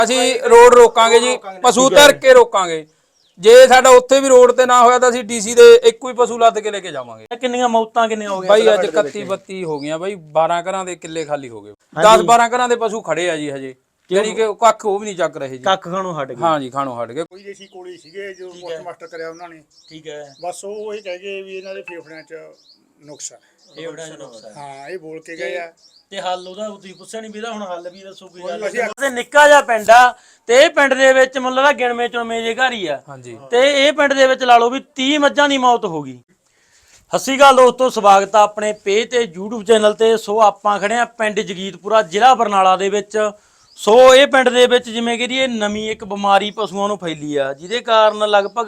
ਅਸੀਂ ਰੋਡ ਰੋਕਾਂਗੇ ਜੀ, ਪਸ਼ੂ ਧਰ ਕੇ ਰੋਕਾਂਗੇ। ਜੇ ਸਾਡਾ ਉੱਥੇ ਵੀ ਰੋਡ ਤੇ ਨਾ ਹੋਇਆ ਤਾਂ ਅਸੀਂ ਡੀਸੀ ਦੇ ਇੱਕੋ ਹੀ ਪਸ਼ੂ ਲੱਦ ਕੇ ਲੈ ਕੇ ਜਾਵਾਂਗੇ। ਕਿੰਨੀਆਂ ਮੌਤਾਂ ਕਿੰਨੀਆਂ ਹੋ ਗਈਆਂ ਬਾਈ ਅੱਜ 31 32 ਹੋ ਗਈਆਂ ਬਾਈ। 12 ਘਰਾਂ ਦੇ ਕਿੱਲੇ ਖਾਲੀ ਹੋ ਗਏ। 10 12 ਘਰਾਂ ਦੇ ਪਸ਼ੂ ਖੜੇ ਆ ਜੀ ਹਜੇ, ਜਾਨੀ ਕਿ ਕੱਖ ਉਹ ਵੀ ਨਹੀਂ ਚੱਕ ਰਹੇ ਜੀ। ਕੱਖ ਖਾਣੋਂ ਹਟ ਗਏ। ਹਾਂ ਜੀ, ਖਾਣੋਂ ਹਟ ਗਏ। ਕੋਈ ਦੇਸੀ ਕੋਲੇ ਸੀਗੇ ਜੋ ਪੋਸਟਮਾਸਟਰ ਕਰਿਆ ਉਹਨਾਂ ਨੇ। ਠੀਕ ਹੈ, ਬਸ ਉਹ ਇਹ ਕਹਿ ਗਏ ਵੀ ਇਹਨਾਂ ਦੇ ਫੇਫੜਿਆਂ 'ਚ ਨੁਕਸ ਆ। ਫੇਫੜਿਆਂ 'ਚ ਨੁਕਸ ਹੈ। ਹਾਂ, ਇਹ ਬੋਲ ਕੇ ਗਏ ਆ। ਤੇ ਹੱਲ ਉਹਦਾ ਤੁਸੀਂ ਪੁੱਛਿਆ ਨਹੀਂ ਵੀਰਾ, ਹੁਣ ਹੱਲ ਵੀ ਦੱਸੋ ਕੋਈ ਗੱਲ। ਤੇ ਨਿੱਕਾ ਜਿਹਾ ਪਿੰਡ ਆ ਤੇ ਇਹ ਪਿੰਡ ਦੇ ਵਿੱਚ ਮੁੱਲ ਦਾ ਗਿਣਵੇਂ ਚੁਣਵੇਂ ਜੇ ਘਰ ਹੀ ਆ। ਹਾਂਜੀ। ਤੇ ਇਹ ਪਿੰਡ ਦੇ ਵਿੱਚ ਲਾ ਲਓ ਵੀ 30 ਮੱਝਾਂ ਦੀ ਮੌਤ ਹੋ ਗਈ। ਸਤਿ ਸ਼੍ਰੀ ਅਕਾਲ ਦੋਸਤੋ, ਸਵਾਗਤ ਆ ਆਪਣੇ ਪੇਜ ਤੇ YouTube ਚੈਨਲ ਤੇ। ਸੋ ਆਪਾਂ ਖੜੇ ਆ ਪਿੰਡ ਜਗੀਤਪੁਰਾ, ਜ਼ਿਲ੍ਹਾ ਬਰਨਾਲਾ ਦੇ ਵਿੱਚ। ਸੋ ਇਹ ਪਿੰਡ ਦੇ ਵਿੱਚ ਜਿਵੇਂ ਕਿ ਇਹ ਨਵੀਂ ਇੱਕ ਬਿਮਾਰੀ ਪਸ਼ੂਆਂ ਨੂੰ ਫੈਲੀ ਆ, ਜਿਹਦੇ ਕਾਰਨ ਲਗਭਗ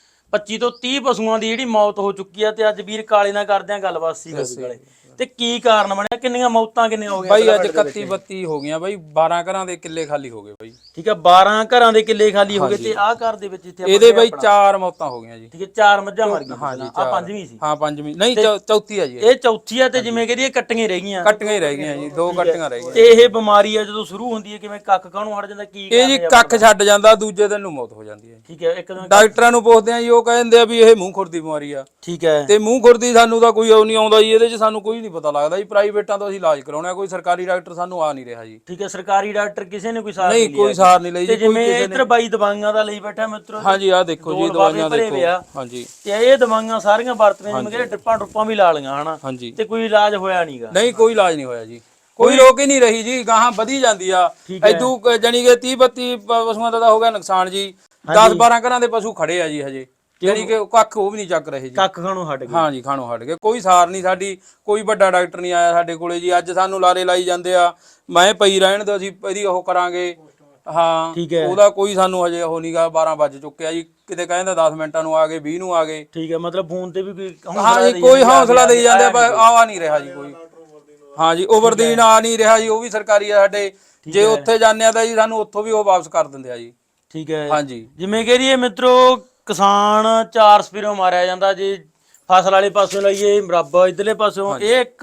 25 ਤੋਂ 30 ਪਸ਼ੂਆਂ ਦੀ ਜਿਹੜੀ ਮੌਤ ਹੋ ਚੁੱਕੀ ਆ। ਤੇ ਅੱਜ ਵੀਰ ਕਾਲੇ ਨਾਲ ਕਰਦੇ ਆ ਗੱਲਬਾਤ। ਸੀ ਕਾਲੇ ਤੇ ਕੀ ਕਾਰਨ ਬਣਿਆ, ਕਿੰਨੀਆਂ ਮੌਤਾਂ ਕਿੰਨੀਆਂ ਹੋ ਗਈਆਂ ਬਾਈ ਅੱਜ 31 32 ਹੋ ਗਈਆਂ ਬਾਈ। 12 ਘਰਾਂ ਦੇ ਕਿੱਲੇ ਖਾਲੀ ਹੋ ਗਏ ਬਾਈ। ਠੀਕ ਹੈ, 12 ਘਰਾਂ ਦੇ ਕਿੱਲੇ ਖਾਲੀ ਹੋ ਗਏ। ਤੇ ਆਹ ਘਰ ਦੇ ਵਿੱਚ ਇੱਥੇ ਇਹਦੇ ਬਾਈ 4 ਮੌਤਾਂ ਹੋ ਗਈਆਂ ਜੀ। ਠੀਕ ਹੈ, 4 ਮੱਝਾਂ ਮਰ ਗਈਆਂ। ਹਾਂ ਜੀ, ਆ ਪੰਜਵੀਂ ਸੀ। ਹਾਂ ਪੰਜਵੀਂ ਨਹੀਂ, ਚੌਥੀ ਆ ਜੀ। ਇਹ ਚੌਥੀ ਆ। ਤੇ ਜਿਵੇਂ ਕਿ ਇਹ ਕੱਟੀਆਂ ਰਹਿ ਗਈਆਂ। ਕੱਟੀਆਂ ਹੀ ਰਹਿ ਗਈਆਂ ਜੀ, 2 ਕੱਟੀਆਂ ਰਹਿ ਗਈਆਂ। ਤੇ ਇਹ ਬਿਮਾਰੀ ਆ ਜਦੋਂ ਸ਼ੁਰੂ ਹੁੰਦੀ ਹੈ ਕਿਵੇਂ ਕੱਖ ਕਾਹਨੂੰ ਹਟ ਜਾਂਦਾ, ਕੀ ਇਹ ਜੀ ਕੱਖ ਛੱਡ ਜਾਂਦਾ, ਦੂਜੇ ਦਿਨ ਨੂੰ ਮੌਤ ਹੋ ਜਾਂਦੀ ਹੈ। ਠੀਕ ਹੈ, ਇੱਕ ਦਿਨ ਡਾਕਟਰਾਂ ਨੂੰ ਪੁੱਛਦੇ ਆ ਜੀ, ਉਹ ਕਹਿੰਦੇ ਆ ਵੀ ਇਹ ਮੂੰਹ ਖੁਰ ਦੀ ਬਿਮਾਰੀ ਆ। ਠੀਕ ਹੈ। ਤੇ ਮੂੰਹ ਖੁਰ ਦੀ ਸਾਨੂੰ ਤਾਂ ਕੋਈ ਉਹ ਨਹੀਂ ਆਉਂਦਾ ਜੀ, ਇਹਦੇ 'ਚ ਸਾਨੂੰ ਕੋਈ ਨਹੀਂ ਪਤਾ ਲੱਗਦਾ ਜੀ। ਪ੍ਰਾਈਵੇਟਾਂ ਤੋਂ ਅਸੀਂ ਇਲਾਜ ਕਰਾਉਣਾ, ਕੋਈ ਸਰਕਾਰੀ ਡਾਕਟਰ ਸਾਨੂੰ ਆ ਨਹੀਂ ਰਿਹਾ ਜੀ। ਠੀਕ ਹੈ, ਸਰਕਾਰੀ ਡਾਕਟਰ ਕਿਸੇ ਨੇ ਕੋਈ ਸਾਰ ਨਹੀਂ, ਕੋਈ ਸਾਰ ਨਹੀਂ ਲਈ ਜੀ। ਜਿਵੇਂ ਇੱਧਰ ਬਾਈ ਦਵਾਈਆਂ ਦਾ ਲਈ ਬੈਠਾ ਮਿੱਤਰੋ। ਹਾਂਜੀ, ਆਹ ਦੇਖੋ ਜੀ, ਦਵਾਈਆਂ ਦੇਖੋ। ਹਾਂਜੀ, ਤੇ ਇਹ ਦਵਾਈਆਂ ਸਾਰੀਆਂ ਵਰਤੀਆਂ, ਜਿਵੇਂ ਕਿ ਡ੍ਰਿਪਾਂ ਵੀ ਲਾ ਲਈਆਂ ਹਨਾ। ਹਾਂਜੀ। ਤੇ ਕੋਈ ਇਲਾਜ ਹੋਇਆ ਨਹੀਂਗਾ। ਨਹੀਂ, ਕੋਈ ਇਲਾਜ ਨਹੀਂ ਹੋਇਆ ਜੀ। ਕੋਈ ਰੋਕ ਹੀ ਨਹੀਂ ਰਹੀ ਜੀ, ਗਾਹਾਂ ਵਧੀ ਜਾਂਦੀ ਆ। ਇਦੋਂ ਜਾਨੀ ਕਿ 30 32 ਪਸ਼ੂਆਂ ਦਾ ਹੋ ਗਿਆ ਨੁਕਸਾਨ ਜੀ। 10 12 ਘਰਾਂ ਦੇ ਪਸ਼ੂ ਖੜੇ ਆ ਜੀ ਹਜੇ, ਜਾਨੀ ਕਿ ਕੱਖ ਉਹ ਵੀ ਨਹੀਂ ਚੱਕ ਰਹੇ ਜੀ। ਕੱਖ ਖਾਣੋਂ ਹਟ ਗਏ। ਹਾਂ ਜੀ, ਖਾਣੋਂ ਹਟ ਗਏ। ਕੋਈ ਸਾਰ ਨਹੀਂ ਸਾਡੀ, ਕੋਈ ਵੱਡਾ ਡਾਕਟਰ ਨਹੀਂ ਆਇਆ ਸਾਡੇ ਕੋਲੇ ਜੀ। ਅੱਜ ਸਾਨੂੰ ਲਾਰੇ ਲਾਈ ਜਾਂਦੇ ਆ, ਮੈਂ ਪਈ ਰਹਿਣ ਦੋ, ਅਸੀਂ ਇਹਦੀ ਉਹ ਕਰਾਂਗੇ। ਹਾਂ, ਉਹਦਾ ਕੋਈ ਸਾਨੂੰ ਹਜੇ ਉਹ ਨਹੀਂਗਾ। 12 ਵੱਜ ਚੁੱਕਿਆ ਜੀ, ਕਿਤੇ ਕਹਿੰਦਾ 10 ਮਿੰਟਾਂ ਨੂੰ ਆ ਗਏ, 20 ਨੂੰ ਆ ਗਏ। ਠੀਕ ਹੈ, ਮਤਲਬ ਫੋਨ ਤੇ ਵੀ ਕੋਈ ਹਾਂ ਜੀ, ਕੋਈ ਹੌਸਲਾ ਦੇਈ ਜਾਂਦੇ ਆ, ਪਰ ਆ ਨਹੀਂ ਰਿਹਾ ਜੀ ਕੋਈ। ਹਾਂ ਜੀ, ਓਵਰਦੀਨ ਆ ਨਹੀਂ ਰਿਹਾ ਜੀ, ਉਹ ਵੀ ਸਰਕਾਰੀ ਆ ਸਾਡੇ। ਜੇ ਉੱਥੇ ਜਾਂਦੇ ਆ ਤਾਂ ਜੀ ਸਾਨੂੰ ਉੱਥੋਂ ਵੀ ਉਹ ਵਾਪਸ ਕਰ ਦਿੰਦੇ ਆ ਜੀ। ਠੀਕ ਹੈ। ਹਾਂ ਜੀ, ਜਿਵੇਂ ਕਿ ਇਹ ਮਿੱਤਰੋ ਕਿਸਾਨ 4 ਸਪੀਰੋਂ ਮਾਰਿਆ ਜਾਂਦਾ। ਜੇ ਫਸਲ ਵਾਲੇ ਪਾਸੋਂ ਲਈਏ ਬਰਾਬਰ, ਇਧਰਲੇ ਪਾਸੋਂ ਇਹ ਇੱਕ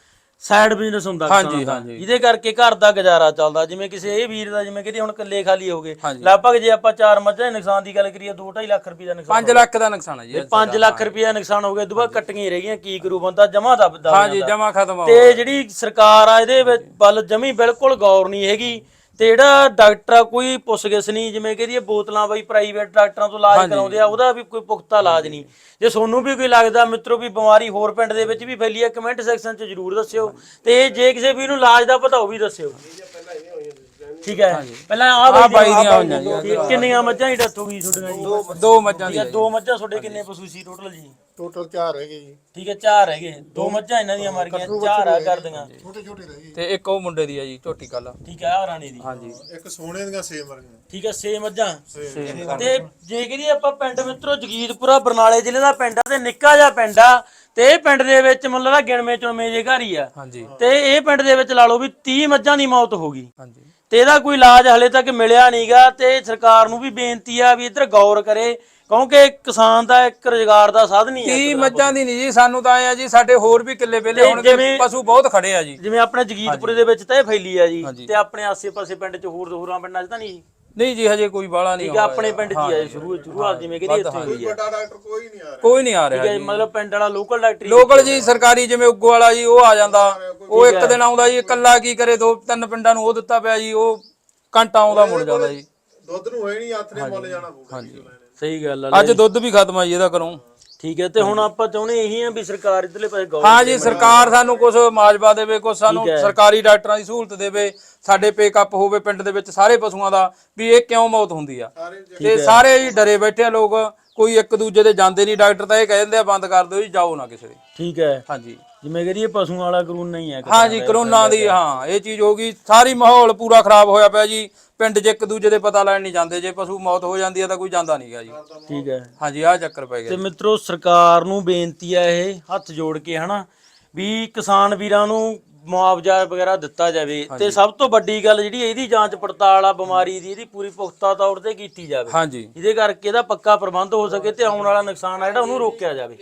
ਸਾਈਡ ਬਿਜ਼ਨਸ ਹੁੰਦਾ ਜਿਹਦੇ ਕਰਕੇ ਘਰ ਦਾ ਗੁਜ਼ਾਰਾ ਚੱਲਦਾ। ਜਿਵੇਂ ਕਿਸੇ ਇਹ ਵੀਰ ਦਾ ਜਿਵੇਂ ਕਿ ਹੁਣ ਕਿੱਲੇ ਖਾਲੀ ਹੋ ਗਏ, ਲਗਭਗ ਜੇ ਆਪਾਂ 4 ਮੱਝਾਂ ਦੇ ਨੁਕਸਾਨ ਦੀ ਗੱਲ ਕਰੀਏ 2-2.5 ਲੱਖ ਰੁਪਏ ਦਾ ਨੁਕਸਾਨ। 5 ਲੱਖ ਦਾ ਨੁਕਸਾਨ ਹੈ ਜੀ। 5 ਲੱਖ ਰੁਪਏ ਦਾ ਨੁਕਸਾਨ ਹੋ ਗਿਆ। ਦੁਬਾਰਾ ਕੱਟੀਆਂ ਰਹਿ ਗਈਆਂ, ਕੀ ਕਰੂ ਬੰਦਾ, ਜਮਾ ਦੱਬਦਾ। ਹਾਂ ਜੀ, ਜਮਾ ਖਤਮ। ਤੇ ਜਿਹੜੀ ਸਰਕਾਰ ਆ ਇਹਦੇ ਵਿੱਚ ਵੱਲ ਜਮੀ ਬਿਲਕੁਲ ਗੌਰ ਨਹੀਂ ਹੈਗੀ। ਤੇ ਜਿਹੜਾ ਡਾਕਟਰ ਆ ਕੋਈ ਪੁੱਛਗਿੱਛ ਨਹੀਂ। ਜਿਵੇਂ ਕਿ ਇਹ ਬੋਤਲਾਂ ਬਈ ਪ੍ਰਾਈਵੇਟ ਡਾਕਟਰਾਂ ਤੋਂ ਇਲਾਜ ਕਰਾਉਂਦੇ ਆ, ਉਹਦਾ ਵੀ ਕੋਈ ਪੁਖਤਾ ਇਲਾਜ ਨਹੀਂ। ਜੇ ਤੁਹਾਨੂੰ ਵੀ ਕੋਈ ਲੱਗਦਾ ਮਿੱਤਰੋ ਵੀ ਬਿਮਾਰੀ ਹੋਰ ਪਿੰਡ ਦੇ ਵਿੱਚ ਵੀ ਫੈਲੀ ਹੈ, ਕਮੈਂਟ ਸੈਕਸ਼ਨ 'ਚ ਜ਼ਰੂਰ ਦੱਸਿਓ। ਤੇ ਜੇ ਕਿਸੇ ਵੀ ਨੂੰ ਇਲਾਜ ਦਾ ਪਤਾ ਉਹ ਵੀ ਦੱਸਿਓ। ਠੀਕ ਹੈ, ਪਹਿਲਾਂ ਆਹ ਬਾਈ ਦੀਆਂ ਹੋਈਆਂ ਜੀ। ਕਿੰਨੀਆਂ ਮੱਝਾਂ ਦੀ ਡੈਥ ਹੋ ਗਈ ਤੁਹਾਡੀਆਂ ਜੀ? 2 ਮੱਝਾਂ ਦੀ। 2 ਮੱਝਾਂ। ਤੁਹਾਡੇ ਕਿੰਨੇ ਪਸ਼ੂ ਸੀ ਟੋਟਲ ਜੀ? ਟੋਟਲ 4 ਹੈਗੇ ਜੀ। ਠੀਕ ਹੈ, 4 ਹੈਗੇ। 2 ਮੱਝਾਂ ਇਹਨਾਂ ਦੀਆਂ ਮਰ ਗਈਆਂ, 4 ਆ ਕਰਦੀਆਂ। ਛੋਟੇ ਛੋਟੇ ਰਹਿ ਗਏ ਤੇ ਇੱਕ ਉਹ ਮੁੰਡੇ ਦੀ ਆ ਜੀ, ਝੋਟੀ ਕੱਲ। ਠੀਕ ਹੈ, ਆ ਰਾਣੀ ਦੀ। ਹਾਂ ਜੀ, ਇੱਕ ਸੋਨੇ ਦੀਆਂ 6 ਮਰ ਗਈਆਂ। ਠੀਕ ਹੈ, 6 ਮੱਝਾਂ। ਤੇ ਜੇ ਕਰੀਏ ਆਪਾਂ ਪਿੰਡ ਮਿੱਤਰੋ ਜਗੀਤਪੁਰਾ ਬਰਨਾਲੇ ਜ਼ਿਲ੍ਹੇ ਦਾ ਪਿੰਡ ਆ ਤੇ ਨਿੱਕਾ ਜਿਹਾ ਪਿੰਡ ਆ। ਤੇ ਇਹ ਪਿੰਡ ਦੇ ਵਿੱਚ ਮੁੱਲ ਦਾ ਗਿਣਵੇਂ ਚੁਣਵੇਂ ਜੇ ਘਰ ਹੀ ਆ। ਹਾਂਜੀ। ਤੇ ਇਹ ਪਿੰਡ ਦੇ ਵਿੱਚ ਲਾ ਲਓ ਵੀ 30 ਮੱਝਾਂ ਦੀ ਮੌਤ ਹੋ ਗਈ। ਹਾਂਜੀ। ਤੇ ਇਹਦਾ ਕੋਈ ਇਲਾਜ ਹਲੇ ਤੱਕ ਮਿਲਿਆ ਨਹੀਂਗਾ। ਤੇ ਸਰਕਾਰ ਨੂੰ ਵੀ ਬੇਨਤੀ ਆ ਵੀ ਇੱਧਰ ਗੌਰ ਕਰੇ, ਕਿਉਂਕਿ ਕਿਸਾਨ ਦਾ ਇੱਕ ਰੁਜ਼ਗਾਰ ਦਾ ਸਾਧਨ ਹੀ ਹੈ। 30 ਮੱਝਾਂ ਦੀ ਨਹੀਂ ਜੀ, ਸਾਨੂੰ ਤਾਂ ਆਏ ਆ ਜੀ, ਸਾਡੇ ਹੋਰ ਵੀ ਕਿੱਲੇ ਵੇਲੇ ਹੋਣਗੇ, ਪਸ਼ੂ ਬਹੁਤ ਖੜੇ ਆ ਜੀ। ਜਿਵੇਂ ਆਪਣੇ ਜਗੀਤਪੁਰੇ ਦੇ ਵਿੱਚ ਤਾਂ ਇਹ ਫੈਲੀ ਆ ਜੀ। ਤੇ ਆਪਣੇ ਆਸੇ-ਪਾਸੇ ਪਿੰਡ 'ਚ ਹੋਰਾਂ ਪਿੰਡਾਂ 'ਚ ਤਾਂ ਨਹੀਂ? ਨਹੀਂ ਜੀ, ਹਜੇ ਕੋਈ ਬਾਲਾ ਨਹੀਂ। ਠੀਕ ਆ, ਆਪਣੇ ਪਿੰਡ 'ਚ ਹੀ ਆ ਸ਼ੁਰੂਆਤ, ਜਿਵੇਂ ਕਿ ਇੱਥੇ ਹੋਈ ਆ। ਵੱਡਾ ਡਾਕਟਰ ਕੋਈ ਨਹੀਂ ਆ ਰਿਹਾ। ਕੋਈ ਨਹੀਂ ਆ ਰਿਹਾ ਜੀ। ਮਤਲਬ ਪਿੰਡ ਵਾਲਾ ਲੋਕਲ ਡਾਕਟਰ ਲੋਕਲ ਜੀ, ਸਰਕਾਰੀ ਜਿਵੇਂ ਉੱਗੋ ਵਾਲਾ ਜੀ, ਉਹ ਆ ਜਾਂਦਾ। ਉਹ ਇੱਕ ਦਿਨ ਆਉਂਦਾ ਜੀ, ਇਕੱਲਾ ਕੀ ਕਰੇ, 2-3 ਪਿੰਡਾਂ ਨੂੰ ਉਹ ਦਿੱਤਾ ਪਿਆ ਜੀ। ਉਹ ਘੰਟਾ ਆਉਂਦਾ ਮੁੜ ਜਾਂਦਾ ਜੀ। ਦੁੱਧ ਨੂੰ ਹੋਏ ਨਹੀਂ, ਹੱਥ ਨੇ ਮੁੱਲ ਜਾਣਾ ਪਊਗਾ। ਹਾਂਜੀ, ਸਹੀ ਗੱਲ ਆ। ਅੱਜ ਦੁੱਧ ਵੀ ਖਤਮ ਆ ਜੀ ਇਹਦਾ ਘਰੋਂ। ਠੀਕ ਹੈ, ਤੇ ਹੁਣ ਆਪਾਂ ਚਾਹੁੰਦੇ ਇਹੀ ਆ ਵੀ ਸਰਕਾਰ ਇਧਰਲੇ ਪਾਸੇ ਗੌਰ। ਹਾਂ ਜੀ, ਸਰਕਾਰ ਸਾਨੂੰ ਕੁਝ ਮਾਜਵਾ ਦੇਵੇ, ਕੁਝ ਸਾਨੂੰ ਸਰਕਾਰੀ ਡਾਕਟਰਾਂ ਦੀ ਸਹੂਲਤ ਦੇਵੇ, ਸਾਡੇ ਪੇਕਅਪ ਹੋਵੇ ਪਿੰਡ ਦੇ ਵਿੱਚ ਸਾਰੇ ਪਸ਼ੂਆਂ ਦਾ, ਵੀ ਇਹ ਕਿਉਂ ਮੌਤ ਹੁੰਦੀ ਆ। ਤੇ ਸਾਰੇ ਜੀ ਡਰੇ ਬੈਠੇ ਆ ਲੋਕ, ਕੋਈ ਇੱਕ ਦੂਜੇ ਦੇ ਜਾਂਦੇ ਨਹੀਂ। ਡਾਕਟਰ ਤਾਂ ਇਹ ਕਹਿੰਦੇ ਆ ਬੰਦ ਕਰ ਦਿਓ ਜੀ, ਜਾਓ ਨਾ ਕਿਸੇ ਦੇ। ਠੀਕ ਹੈ। ਹਾਂਜੀ, ਜਿਵੇਂ ਕਰੀਏ ਪਸ਼ੂਆਂ ਵਾਲਾ ਕਾਨੂੰਨ ਨਹੀਂ ਹੈ। ਹਾਂ ਜੀ, ਕਰੋਨਾ ਦੀ ਹਾਂ ਇਹ ਚੀਜ਼ ਹੋ ਗਈ। ਸਾਰੀ ਮਾਹੌਲ ਪੂਰਾ ਖਰਾਬ ਹੋਇਆ ਪਿਆ ਜੀ। ਪਿੰਡ 'ਚ ਇੱਕ ਦੂਜੇ ਦੇ ਪਤਾ ਲੈਣ ਨਹੀਂ ਜਾਂਦੇ। ਜੇ ਪਸ਼ੂ ਮੌਤ ਹੋ ਜਾਂਦੀ ਹੈ ਤਾਂ ਕੋਈ ਜਾਂਦਾ ਨਹੀਂਗਾ ਜੀ। ਠੀਕ ਹੈ। ਹਾਂਜੀ, ਆਹ ਚੱਕਰ ਪੈ ਗਿਆ। ਤੇ ਮਿੱਤਰੋ ਸਰਕਾਰ ਨੂੰ ਬੇਨਤੀ ਹੈ ਇਹ ਹੱਥ ਜੋੜ ਕੇ ਹਨਾ, ਵੀ ਕਿਸਾਨ ਵੀਰਾਂ ਨੂੰ ਮੁਆਵਜ਼ਾ ਵਗੈਰਾ ਦਿੱਤਾ ਜਾਵੇ। ਤੇ ਸਭ ਤੋਂ ਵੱਡੀ ਗੱਲ ਜਿਹੜੀ ਇਹਦੀ ਜਾਂਚ ਪੜਤਾਲ ਆ ਬਿਮਾਰੀ ਦੀ, ਇਹਦੀ ਪੂਰੀ ਪੁਖਤਾ ਤੌਰ ਤੇ ਕੀਤੀ ਜਾਵੇ। ਹਾਂਜੀ, ਜਿਹਦੇ ਕਰਕੇ ਇਹਦਾ ਪੱਕਾ ਪ੍ਰਬੰਧ ਹੋ ਸਕੇ ਤੇ ਆਉਣ ਵਾਲਾ ਨੁਕਸਾਨ ਆ ਜਿਹੜਾ ਉਹਨੂੰ ਰੋਕਿਆ ਜਾਵੇ।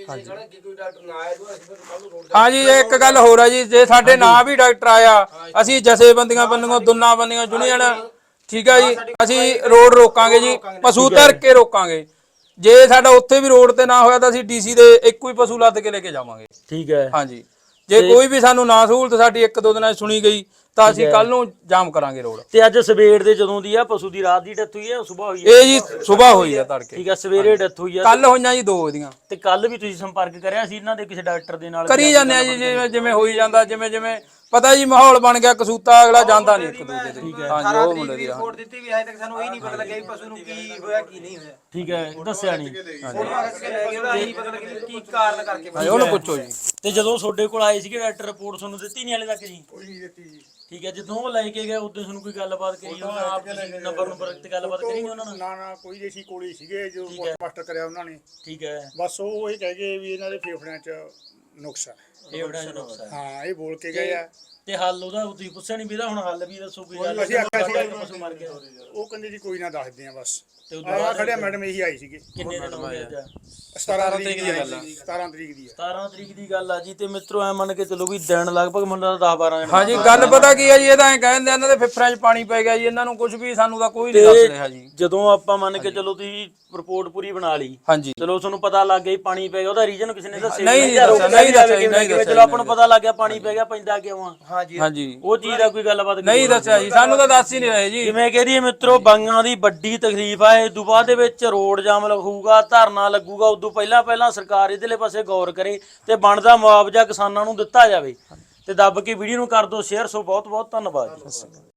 ਹਾਂਜੀ, ਇੱਕ ਗੱਲ ਹੋਰ ਆ ਜੀ, ਜੇ ਸਾਡੇ ਨਾਂ ਵੀ ਡਾਕਟਰ ਆਇਆ, ਅਸੀਂ ਜਥੇਬੰਦੀਆਂ ਬੰਦੀਆਂ, ਦੁੰਨਾ ਬੰਦੀਆਂ, ਯੂਨੀਅਨ, ਠੀਕ ਹੈ ਜੀ। ਅਸੀਂ ਰੋਡ ਰੋਕਾਂਗੇ ਜੀ, ਪਸ਼ੂ ਧਰ ਕੇ ਰੋਕਾਂਗੇ। ਜੇ ਸਾਡਾ ਉੱਥੇ ਵੀ ਰੋਡ ਤੇ ਨਾ ਹੋਇਆ ਤਾਂ ਅਸੀਂ ਡੀਸੀ ਦੇ ਇੱਕੋ ਹੀ ਪਸ਼ੂ ਲੱਦ ਕੇ ਲੈ ਕੇ ਜਾਵਾਂਗੇ। ਠੀਕ ਹੈ। ਹਾਂਜੀ, ਜੇ ਕੋਈ ਵੀ ਸਾਨੂੰ ਨਾ ਸਹੂਲਤ ਸਾਡੀ 1-2 ਦਿਨਾਂ 'ਚ ਸੁਣੀ ਗਈ ਤਾਂ ਅਸੀਂ ਕੱਲ ਨੂੰ ਜਾਮ ਕਰਾਂਗੇ ਰੋਡ। ਤੇ ਅੱਜ ਸਵੇਰ ਦੇ ਜਦੋਂ ਦੀ ਆ ਪਸ਼ੂ ਦੀ ਰਾਤ ਦੀ ਡੈਥ ਹੋਈ ਹੈ ਸਵੇਰ ਹੋਈ ਹੈ? ਇਹ ਜੀ ਸਵੇਰ ਹੋਈ ਆ ਤੜਕੇ। ਠੀਕ ਹੈ, ਸਵੇਰੇ ਡੈਥ ਹੋਈ ਆ। ਕੱਲ ਹੋਈਆਂ ਜੀ 2 ਇਹਦੀਆਂ। ਤੇ ਕੱਲ ਵੀ ਤੁਸੀਂ ਸੰਪਰਕ ਕਰਿਆ ਸੀ ਇਹਨਾਂ ਦੇ ਕਿਸੇ ਡਾਕਟਰ ਦੇ ਨਾਲ? ਕਰੀ ਜਾਂਦੇ ਆ ਜੀ, ਜਿਵੇਂ ਜਿਵੇਂ ਹੋਈ ਜਾਂਦਾ, ਜਿਵੇਂ ਜਿਵੇਂ ਪਤਾ ਜੀ ਮਾਹੌਲ ਬਣ ਗਿਆ ਕਸੂਤਾ, ਅਗਲਾ ਜਾਂਦਾ ਨਹੀਂ ਇੱਕ ਦੂਜੇ ਦੇ। ਹਾਂਜੀ, ਉਹ ਮੁੰਡੇ ਦੀ ਰਿਪੋਰਟ ਦਿੱਤੀ ਵੀ ਹਜੇ ਤੱਕ ਸਾਨੂੰ ਇਹ ਨਹੀਂ ਪਤਾ ਲੱਗਿਆ ਵੀ ਪਸ਼ੂ ਨੂੰ ਕੀ ਹੋਇਆ ਕੀ ਨਹੀਂ ਹੋਇਆ। ਠੀਕ ਹੈ, ਦੱਸਿਆ ਨਹੀਂ। ਫੋਟੋਆਂ ਖਿੱਚ ਕੇ ਲੈ ਗਏ, ਉਹਦਾ ਇਹ ਨਹੀਂ ਪਤਾ ਲੱਗਿਆ ਕੀ ਕਾਰਨ ਕਰਕੇ। ਹਾਂਜੀ, ਉਹਨੂੰ ਪੁੱਛੋ ਜੀ। ਤੇ ਜਦੋਂ ਤੁਹਾਡੇ ਕੋਲ ਆਏ ਸੀਗੇ ਡਾਕਟਰ, ਰਿਪੋਰਟ ਤੁਹਾਨੂੰ ਦਿੱਤੀ ਨਹੀਂ ਹਲੇ ਤੱਕ ਜੀ? ਕੋਈ ਨਹੀਂ ਦਿੱਤੀ ਜੀ। ਠੀਕ ਹੈ, ਜਦੋਂ ਉਹ ਲੈ ਕੇ ਗਏ ਉਦੋਂ ਤੁਹਾਨੂੰ ਕੋਈ ਗੱਲਬਾਤ ਕਰੀ ਉਹਨਾਂ ਆਪ ਨੰਬਰ ਤੇ ਗੱਲਬਾਤ ਕਰੀ ਉਹਨਾਂ ਨਾਲ? ਨਾ ਕੋਈ ਦੇਸੀ ਕੋਲੇ ਸੀਗੇ ਜੋ ਪੋਸਟਮਾਸਟਰ ਕਰਿਆ ਉਹਨਾਂ ਨੇ। ਠੀਕ ਹੈ। ਬਸ ਉਹ ਇਹ ਕਹਿ ਗਏ ਵੀ ਇਹਨਾਂ ਦੇ ਫੇਫੜਿਆਂ 'ਚ ਨੁਕਸ ਹੈ। ਇਹ ਬੜਾ ਨੁਕਸ ਹੈ। ਹਾਂ, ਇਹ ਬੋਲ ਕੇ ਗਏ ਆ। ਤੇ ਹੱਲ ਉਹਦਾ ਤੁਸੀਂ ਪੁੱਛਿਆ ਨਹੀਂ ਵੀ ਇਹਦਾ ਹੁਣ ਹੱਲ ਵੀ ਦੱਸੋ ਕੋਈ ਗੱਲ? ਅਸੀਂ ਆਖਿਆ ਸੀ ਪਸ਼ੂ ਮਰ ਗਿਆ। ਉਹ ਕਹਿੰਦੇ ਜੀ ਕੋਈ ਨਾ ਦੱਸਦੇ ਆ ਬਸ। ਤੇ ਉਦੋਂ ਆ ਖੜਿਆ ਮੈਡਮ ਇਹੀ ਆਈ ਸੀਗੇ। ਕਿੰਨੇ ਦਿਨ ਹੋ ਗਏ? 17 ਤਰੀਕ ਦੀ ਗੱਲ ਆ। 17 ਤਰੀਕ ਦੀ ਆ। 17 ਤਰੀਕ ਦੀ ਗੱਲ ਆ ਜੀ। ਤੇ ਮਿੱਤਰੋ ਐ ਮੰਨ ਕੇ ਚੱਲੋ ਵੀ ਦਿਨ ਲਗਭਗ ਮੈਨੂੰ 10-12 ਦਿਨ। ਹਾਂਜੀ, ਗੱਲ ਪਤਾ ਕੀ ਹੈ ਜੀ, ਇਹ ਤਾਂ ਐਂ ਕਹਿੰਦੇ ਇਹਨਾਂ ਦੇ ਫੇਫੜਿਆਂ 'ਚ ਪਾਣੀ ਪੈ ਗਿਆ ਜੀ, ਇਹਨਾਂ ਨੂੰ ਕੁਝ ਵੀ ਸਾਨੂੰ ਤਾਂ ਕੋਈ ਨਹੀਂ ਦੱਸ ਰਿਹਾ ਜੀ। ਜਦੋਂ ਆਪਾਂ ਮੰਨ ਕੇ ਚੱਲੋ ਤੁਸੀਂ ਰਿਪੋਰਟ ਪੂਰੀ ਬਣਾ ਲਈ, ਹਾਂਜੀ, ਚਲੋ ਤੁਹਾਨੂੰ ਪਤਾ ਲੱਗ ਗਿਆ ਪਾਣੀ ਪੈ ਗਿਆ, ਉਹਦਾ ਰੀਜ਼ਨ ਕਿਸੇ ਨੇ ਦੱਸਿਆ ਨਹੀਂ ਦੱਸਿਆ, ਨਹੀਂ ਦੱਸਿਆ। ਚਲੋ ਆਪਾਂ ਨੂੰ ਪਤਾ ਲੱਗ ਗਿਆ ਪਾਣੀ ਪੈ ਗਿਆ, ਪੈਂਦਾ ਕਿਉਂ ਆ? ਹਾਂਜੀ, ਉਹ ਚੀਜ਼ ਦਾ ਕੋਈ ਗੱਲਬਾਤ ਨਹੀਂ ਦੱਸਿਆ ਜੀ, ਸਾਨੂੰ ਤਾਂ ਦੱਸ ਹੀ ਨਹੀਂ ਰਹੇ ਜੀ। ਜਿਵੇਂ ਕਹਦੀਏ ਮਿੱਤਰੋ, ਬੰਗਾਂ ਦੀ ਵੱਡੀ ਤਕਲੀਫ ਆ। ਇਸ ਤੋਂ ਬਾਅਦ ਦੇ ਵਿੱਚ ਰੋਡ ਜਾਮ ਲੱਗੂਗਾ, ਧਰਨਾ ਲੱਗੂਗਾ। ਉਦੋਂ ਪਹਿਲਾਂ ਸਰਕਾਰ ਇਹਦੇ ਪਾਸੇ ਗੌਰ ਕਰੇ ਤੇ ਬਣਦਾ ਮੁਆਵਜ਼ਾ ਕਿਸਾਨਾਂ ਨੂੰ ਦਿੱਤਾ ਜਾਵੇ। ਤੇ ਦੱਬ ਕੇ ਵੀਡੀਓ ਨੂੰ ਕਰ ਦਿਓ ਸ਼ੇਅਰ। ਸੋ ਬਹੁਤ ਬਹੁਤ ਧੰਨਵਾਦ ਜੀ।